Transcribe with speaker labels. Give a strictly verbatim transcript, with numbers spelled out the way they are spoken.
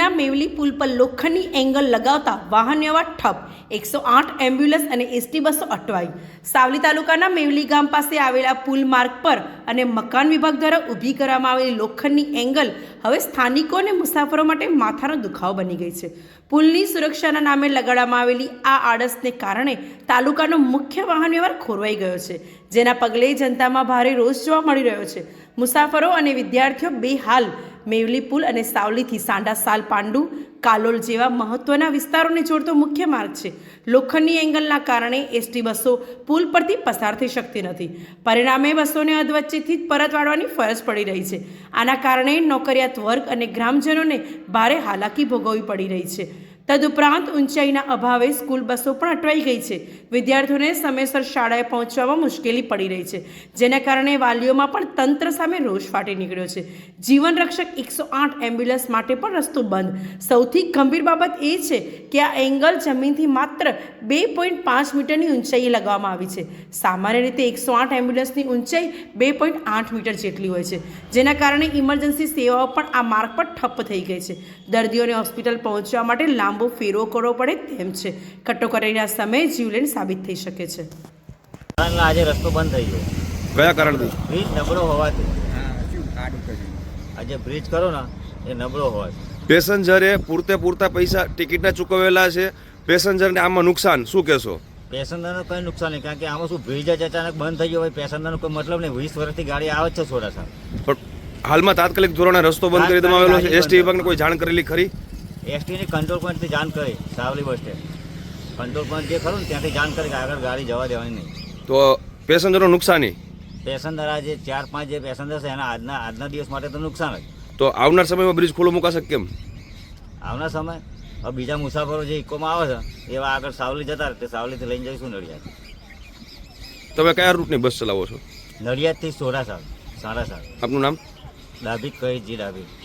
Speaker 1: તાલુકાના મેવલી પુલ પર લોખંડની એંગલ લગાવતા વાહન વ્યવહાર ઠપ, એકસો આઠ એમ્બ્યુલન્સ અને એસટી બસો અટવાઈ। સાવલી તાલુકાના મેવલી ગામ પાસે આવેલા પુલ માર્ગ પર અને મકાન વિભાગ દ્વારા ઊભી કરવામાં આવેલી લોખંડની એંગલ હવે સ્થાનિકો અને મુસાફરો માટે માથાનો દુખાવો બની ગઈ છે। પુલની સુરક્ષાના નામે લગાડવામાં આવેલી આ આડસને કારણે તાલુકાનો મુખ્ય વાહન વ્યવહાર ખોરવાઈ ગયો છે, જેના પગલે જનતામાં ભારે રોષ જોવા મળી રહ્યો છે। મુસાફરો અને વિદ્યાર્થીઓ બેહાલ મેવલી પુલ અને સાવલીથી સાંડા સાલ પાંડુ કાલોલ જેવા મહત્વના વિસ્તારોને જોડતો મુખ્ય માર્ગ છે। લોખંડની એંગલના કારણે એસટી બસો પુલ પરથી પસાર થઈ શકતી નથી, પરિણામે બસોને અધવચ્ચેથી જ પરત વાળવાની ફરજ પડી રહી છે। આના કારણે નોકરિયાત વર્ગ અને ગ્રામજનોને ભારે હાલાકી ભોગવવી પડી રહી છે। તદુપરાંત ઊંચાઈના અભાવે સ્કૂલ બસો પણ અટવાઈ ગઈ છે। વિદ્યાર્થીઓને સમયસર શાળાએ પહોંચવામાં મુશ્કેલી પડી રહી છે, જેના કારણે વાલીઓમાં પણ તંત્ર સામે રોષ ફાટી નીકળ્યો છે। જીવન રક્ષક એકસો આઠ એમ્બ્યુલન્સ માટે પણ રસ્તો બંધ। સૌથી ગંભીર બાબત એ છે કે આ એંગલ જમીનથી માત્ર બે પોઈન્ટ પાંચ મીટરની ઊંચાઈએ લગાવવામાં આવી છે। સામાન્ય રીતે એકસો આઠ એમ્બ્યુલન્સની ઊંચાઈ બે પોઈન્ટ આઠ મીટર જેટલી હોય છે, જેના કારણે ઇમરજન્સી સેવાઓ પણ આ માર્ગ પર ઠપ્પ થઈ ગઈ છે। દર્દીઓને હોસ્પિટલ પહોંચવા માટે લાંબો ફેરવો કરવો પડે તેમ છે। કટોકટીના સમયે જીવલેણ સાબિત થઈ શકે છે।
Speaker 2: આજે રસ્તો બંધ થઈ ગયો।
Speaker 3: કયા કારણથી?
Speaker 2: બ્રિજ નબળો હોવાથી। આજે બ્રિજ કરો ને એ નબળો હોવાથી
Speaker 3: પેસેન્જરે પૂરતે પૂરતા પૈસા ટિકિટના ચૂકવેલા છે, પેસેન્જરને આમાં નુકસાન શું કહેશો?
Speaker 2: પેસેન્જરને કંઈ નુકસાન નહીં, કારણ કે આમાં શું બ્રિજ જ અચાનક બંધ થઈ ગયો હોય, પેસેન્જરનો કોઈ મતલબ નહીં। વીસ વર્ષથી ગાડી આવે જ છે સોડાસા,
Speaker 3: પણ હાલમાં તાત્કાલિક ધોરણે રસ્તો બંધ કરી દેવામાં આવેલો છે। એસટી વિભાગને કોઈ જાણ કરેલી ખરી?
Speaker 2: એસટીની કંટ્રોલ પોઈન્ટથી જાણ કરી, Savli bus stand control point જે ખરું ને ત્યાંથી જાણ કરી કે આગળ ગાડી જવા દેવાની નહીં।
Speaker 3: તો પેસેન્જરનો નુકસાની?
Speaker 2: પેસેન્જર આજે ચાર પાંચ જે પેસેન્જર છે એના આજના આજના દિવસ માટે તો નુકસાન જ।
Speaker 3: તો આવનાર સમયમાં બ્રિજ ખુલ્લો મુકાશે કેમ?
Speaker 2: આવનાર સમય હવે બીજા મુસાફરો જે ઇકોમાં આવે છે એવા આગળ સાવલી જતા રહે, તે સાવલીથી લઈને જઈશું નડિયાદ।
Speaker 3: તમે કયા રૂટની બસ ચલાવો છો?
Speaker 2: નડિયાદથી સોડાસા સાડા સાત।
Speaker 3: આપનું નામ?
Speaker 2: ડાભી કહી જી ડાભી।